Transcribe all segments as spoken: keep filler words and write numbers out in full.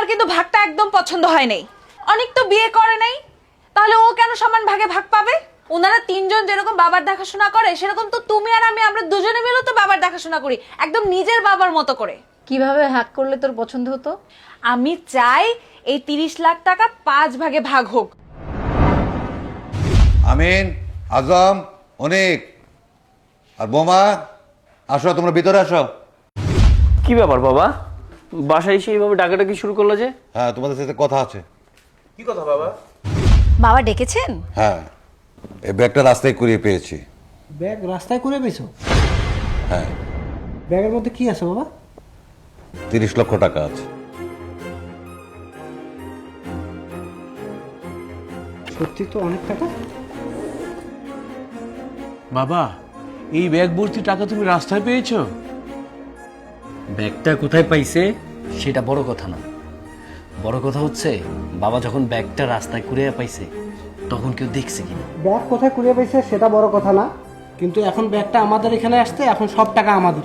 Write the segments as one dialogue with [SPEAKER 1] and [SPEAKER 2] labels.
[SPEAKER 1] কিন্তু ভাগটা একদম পছন্দ হয় নাই। অনেক তো বিয়ে করে নাই, তাহলে ও কেন সমান ভাগে ভাগ পাবে? ওনারা তিনজন যেরকম বাবার দেখাশোনা করে সেরকম তো তুমি আর আমি আমরা দুজনে মিলে তো বাবার দেখাশোনা করি, একদম নিজের বাবার মতো করে।
[SPEAKER 2] কিভাবে ভাগ করলে তোর পছন্দ হতো?
[SPEAKER 1] আমি চাই এই তিরিশ লাখ টাকা পাঁচ ভাগে ভাগ হোক।
[SPEAKER 3] আমিন, আজম, অনেক আর বোমা, আসো তোমরা ভিতরে আসো।
[SPEAKER 4] কি ব্যাপার বাবা, বাসায় এসে এইভাবে ডাকাডাকি শুরু করলো যে?
[SPEAKER 3] হ্যাঁ, তোমাদের সাথে কথা আছে।
[SPEAKER 4] কি কথা বাবা?
[SPEAKER 2] বাবা ডেকেছেন?
[SPEAKER 3] হ্যাঁ, এই ব্যাগটা রাস্তায় কুড়িয়ে পেয়েছি।
[SPEAKER 5] ব্যাগ রাস্তায় করে পেয়েছো?
[SPEAKER 3] হ্যাঁ।
[SPEAKER 5] ব্যাগের মধ্যে কি আছে বাবা?
[SPEAKER 3] তিরিশ লক্ষ টাকা আছে।
[SPEAKER 5] সত্যি তো অনেক টাকা।
[SPEAKER 6] বাবা, এই ব্যাগ ভর্তি টাকা তুমি রাস্তায় পেয়েছো?
[SPEAKER 4] ব্যাগটা কোথায় পাইছে সেটা বড় কথা না, বড় কথা হচ্ছে বাবা যখন ব্যাগটা রাস্তায় কুড়িয়ে পাইছে তখন কেউ দেখছে কিনা।
[SPEAKER 5] ব্যাগ কোথায় কুড়িয়ে পেয়েছে সেটা বড় কথা না, কিন্তু এখন ব্যাগটা আমাদের এখানে আসছে, এখন সব টাকা আমাদের।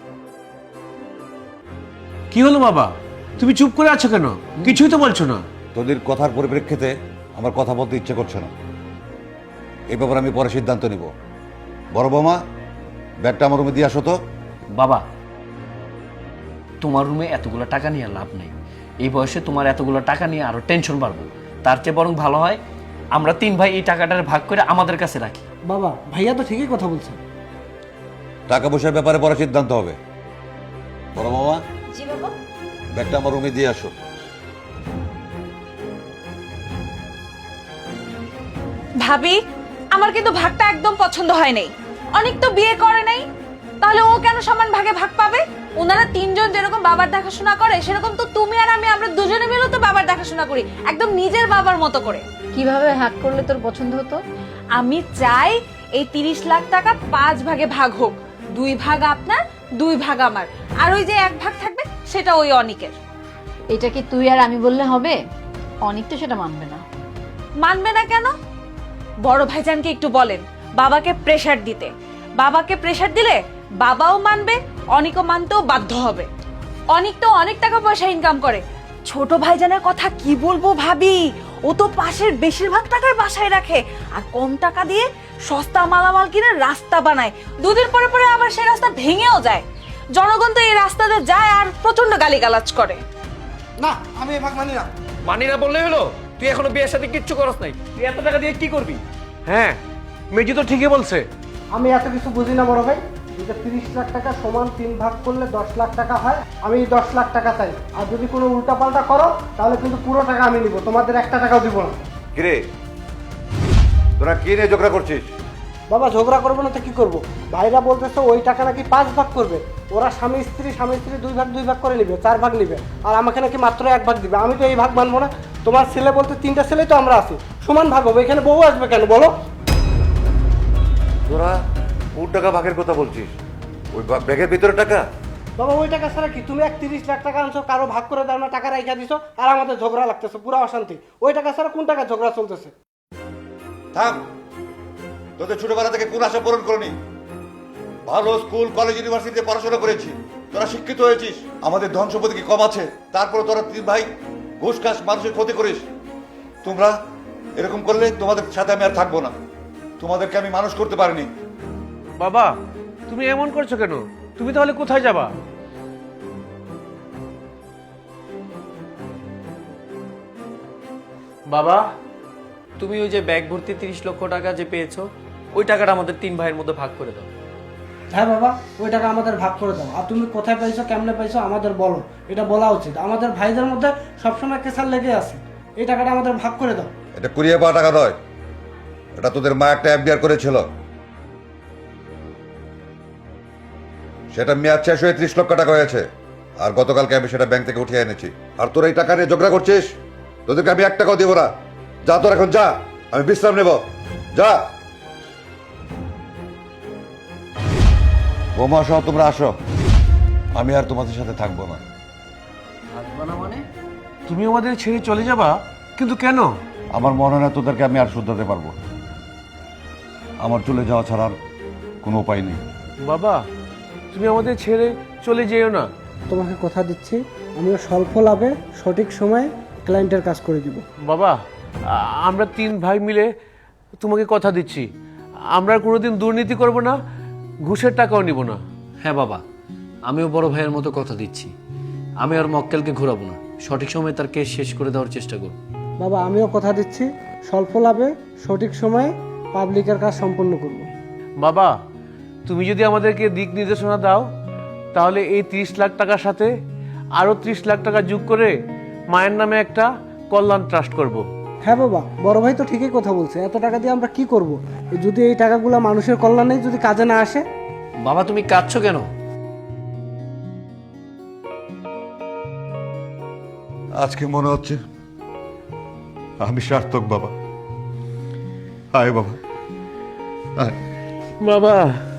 [SPEAKER 6] কি হলো বাবা, তুমি চুপ করে আছো কেন? কিছুই তো বলছো না।
[SPEAKER 3] তোদের কথার পরিপ্রেক্ষিতে আমার কথা বলতে ইচ্ছে করছে না। এই ব্যাপারে আমি পরে সিদ্ধান্ত নিব। বড় বৌমা, ব্যাগটা আমার রুমে দিয়ে আসো তো।
[SPEAKER 4] বাবা, তোমার রুমে এতগুলো টাকা নিয়ে লাভ নেই। এই বয়সে তোমার এতগুলো টাকা নিয়ে আরো টেনশন বাড়বো। তার চেয়ে বরং ভালো হয় আমরা তিন ভাই এই টাকাটার ভাগ করে আমাদের কাছে রাখি।
[SPEAKER 5] বাবা, ভাইয়া তো ঠিকই কথা বলছে।
[SPEAKER 3] টাকা পয়সার ব্যাপারে পরে সিদ্ধান্ত হবে। বড় বৌমা,
[SPEAKER 1] জি বাবা।
[SPEAKER 3] ব্যাগটা আমার রুমে দিয়ে আসো।
[SPEAKER 1] ভাবি, আমার কিন্তু ভাগটা একদম পছন্দ হয় নাই। অনেক তো বিয়ে করে নাই, তাহলে ও কেন সমান ভাগে ভাগ পাবে? ওনারা তিনজন যেরকম বাবার দেখাশোনা করে সেরকম তো তুমি আর আমি আমরা দুজনে মিলে তো বাবার দেখাশোনা করি, একদম নিজের বাবার মতো করে।
[SPEAKER 2] কিভাবে ভাগ করলে তোর পছন্দ হতো?
[SPEAKER 1] আমি চাই এই তিরিশ লাখ টাকা পাঁচ ভাগে ভাগ হোক, দুই ভাগ আপনার, দুই ভাগ আমার, আর ওই যে এক ভাগ থাকবে সেটা ওই অনিকের।
[SPEAKER 2] এটা কি তুই আর আমি বললে হবে? অনেক তো সেটা মানবে না।
[SPEAKER 1] মানবে না কেন? বড় ভাইজানকে একটু বলেন বাবাকে প্রেসার দিতে। বাবাকে প্রেসার দিলে বাবাও মানবে, অনিকও মানতেও বাধ্য হবে। অনিক তো অনেক টাকা পয়সা ইনকাম করে। ছোট ভাইজানের কথা কি বলবো ভাবি, ও তো পাশের বেশিরভাগ টাকায় বাসায় রাখে, আর কম টাকা দিয়ে সস্তা মালামাল কিনে রাস্তা বানায়। দুদিন পরে পরে আবার সেই রাস্তা ভেঙেও যায়। জনগণ তো এই রাস্তাতে যায় আর প্রচন্ড গালিগালাজ করে।
[SPEAKER 5] না, আমি এই ভাগ মানি না।
[SPEAKER 4] মানি না বললেই হলো? তুই এখনো বিয়ের সাথে কিচ্ছু করস নাই, তুই এত টাকা দিয়ে কি করবি?
[SPEAKER 6] হ্যাঁ, মেজি তো ঠিকই বলছে।
[SPEAKER 5] আমি এত কিছু বুঝি না বড় ভাই। এটা তিরিশ লাখ টাকা সমান তিন ভাগ করলে দশ লাখ টাকা হয়। আমি দশ লাখ টাকা চাই, আর যদি কোনো উল্টাপাল্টা করো তাহলে কিন্তু পুরো টাকা আমি নিব, তোমাদের একটা টাকাও দিব না।
[SPEAKER 3] কিরে, তোরা কি নিয়ে ঝগড়া করছিস?
[SPEAKER 5] বাবা, ঝগড়া করবো না তো কি করবো? ভাইরা বলতেছে ওই টাকা নাকি পাঁচ ভাগ করবে। ওরা স্বামী স্ত্রী স্বামী স্ত্রী দুই ভাগ দুই ভাগ করে নিবে, চার ভাগ নিবে, আর আমাকে নাকি মাত্র এক ভাগ দিবে। আমি তো এই ভাগ মানবো না। তোমার ছেলে বলতে তিনটা ছেলেই তো আমরা আছি, সমান ভাগ হবে। এখানে বউ আসবে কেন বলো?
[SPEAKER 3] তোরা কোন টাকা ভাগের কথা বলছিস? ওই বা- ব্যাগের ভিতরে টাকা?
[SPEAKER 5] বাবা, ওই টাকা ছাড়া কি? তুমি এক তিরিশ লাখ টাকা আনছো, কারো ভাগ করে দাও না, টাকা রাইখা দিছো, আর আমাদের ঝগড়া লাগতেছে, পুরো অশান্তি। ওই টাকা ছাড়া কোন টাকা ঝগড়া চলতেছে?
[SPEAKER 3] থাম। তোদের ছোটবেলা থেকে কোন আশা পূরণ করনি? ভালো স্কুল কলেজ ইউনিভার্সিটিতে পড়াশোনা করেছি, তোরা শিক্ষিত হয়েছিস। আমাদের ধন সম্পত্তি কি কম আছে? তারপরে তোরা তিন ভাই ঘুষ খাস, মানুষের ক্ষতি করিস। তোমরা এরকম করলে তোমাদের সাথে আমি আর থাকবো না। তোমাদেরকে আমি মানুষ করতে পারিনি।
[SPEAKER 6] বাবা, তুমি এমন করছো কেন? তুমি তাহলে কোথায় যাবা?
[SPEAKER 4] বাবা, তুমি ওই যে ব্যাগ ভর্তি তিরিশ লক্ষ টাকা যে পেয়েছো, ওই টাকাটা আমাদের তিন ভাইয়ের মধ্যে ভাগ করে দাও।
[SPEAKER 5] হ্যাঁ বাবা, ওই টাকা আমাদের ভাগ করে দাও। আর তুমি কোথায় পাইছো, কেমনে পাইছো আমাদের বলো, এটা বলা উচিত। আমাদের ভাইদের মধ্যে সবসময় কেসার লেগে আছে। এই টাকাটা আমাদের ভাগ করে দাও।
[SPEAKER 3] এটা কুড়িয়ে পাওয়া টাকা নয়, এটা তোদের মা একটা এফডিআর করেছিল, সেটা মেয়াদ শেষ হয়ে ত্রিশ লক্ষ টাকা হয়েছে। আর গতকালকে আমি সেটা ব্যাংক থেকে উঠিয়ে এনেছি। আর তোরা এই টাকা নিয়ে ঝগড়া করছিস? তোদেরকে আমি এক টাকাও দিব না। যা তোর এখন যা, আমি বিশ্রাম নেব। যা। বোমা সহ তোমরা আসো, আমি আর তোমাদের সাথে থাকবো না।
[SPEAKER 4] থাকবা না মানে?
[SPEAKER 6] তুমি আমাদের ছেড়ে চলে যাবা? কিন্তু কেন?
[SPEAKER 3] আমার মনে হয় না তোদেরকে আমি আর শুধরাতে পারবো। আমার চলে যাওয়া ছাড়ার কোনো উপায় নেই।
[SPEAKER 6] বাবা, তুমি আমাদের ছেড়ে চলে যেও না।
[SPEAKER 5] তোমাকে কথা দিচ্ছি আমিও স্বল্প লাভে সঠিক সময়ে ক্লায়েন্টের কাজ করে দিব।
[SPEAKER 6] বাবা আ- আমরা তিন ভাই মিলে তোমাকে কথা দিচ্ছি, আমরা আর কোনোদিন দুর্নীতি করব না, ঘুষের টাকাও নিব না।
[SPEAKER 4] হ্যাঁ বাবা, আমিও বড় ভাইয়ের মতো কথা দিচ্ছি। আমি আর মক্কেলকে ঘোরাবো না, সঠিক সময়ে তার কেস শেষ করে দেওয়ার চেষ্টা করব।
[SPEAKER 5] বাবা আমিও কথা দিচ্ছি স্বল্প লাভে সঠিক সময়ে পাবলিকের কাজ সম্পন্ন করব।
[SPEAKER 6] বাবা তুমি যদি আমাদেরকে দিক নির্দেশনা দাও তাহলে এই তিরিশ লাখ টাকার সাথে আরও ত্রিশ লাখ টাকা যোগ করে মায়ের নামে একটা কল্যাণ ট্রাস্ট করব।
[SPEAKER 5] হ্যাঁ বাবা, বড় ভাই তো ঠিকই কথা বলছে। এত টাকা দিয়ে আমরা কি করব যদি এই টাকাগুলো মানুষের কল্যাণে যদি কাজে না আসে?
[SPEAKER 4] বাবা তুমি কাঁদছো কেন?
[SPEAKER 3] আজকে মনে হচ্ছে আমি সার্থক বাবা। আয় বাবা, আয়।
[SPEAKER 6] বাবা